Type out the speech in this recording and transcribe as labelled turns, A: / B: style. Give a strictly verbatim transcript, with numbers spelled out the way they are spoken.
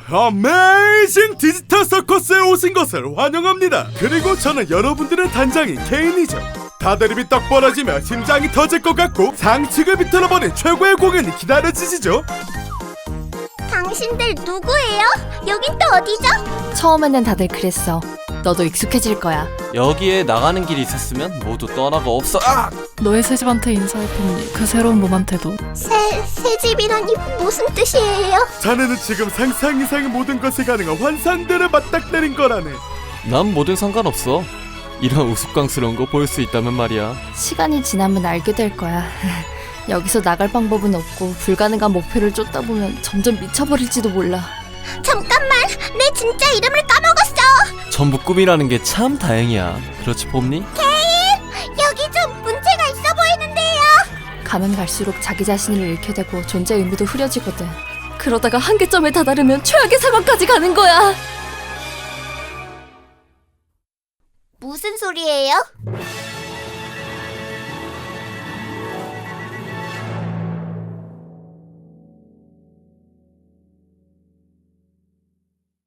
A: 어메이징 디지털 서커스에 오신 것을 환영합니다. 그리고 저는 여러분들의 단장인 케인이죠. 다들 입이 떡 벌어지며 심장이 터질 것 같고 상측을 비틀어버린 최고의 공연이 기다려지시죠.
B: 당신들 누구예요? 여긴 또 어디죠?
C: 처음에는 다들 그랬어. 너도 익숙해질 거야.
D: 여기에 나가는 길이 있었으면 모두 떠나가 없어. 아!
E: 너의 새집한테 인사할 뿐이니 그 새로운 몸한테도.
B: 새, 새집이라니 무슨 뜻이에요?
A: 자네는 지금 상상 이상의 모든 것이 가능한 환상들을 맞닥뜨린 거라네.
D: 난 뭐든 상관없어. 이런 우스꽝스러운 거 볼 수 있다면 말이야.
C: 시간이 지나면 알게 될 거야. 여기서 나갈 방법은 없고 불가능한 목표를 쫓다 보면 점점 미쳐버릴지도 몰라.
B: 잠깐만, 내 진짜 이름을 까먹었어.
D: 전부 꿈이라는 게 참 다행이야. 그렇지 봄니?
B: 여기 좀 문제가 있어 보이는데요.
C: 가면 갈수록 자기 자신을 잃게 되고 존재 의미도 흐려지거든. 그러다가 한계점에 다다르면 최악의 상황까지 가는 거야.
B: 무슨 소리예요?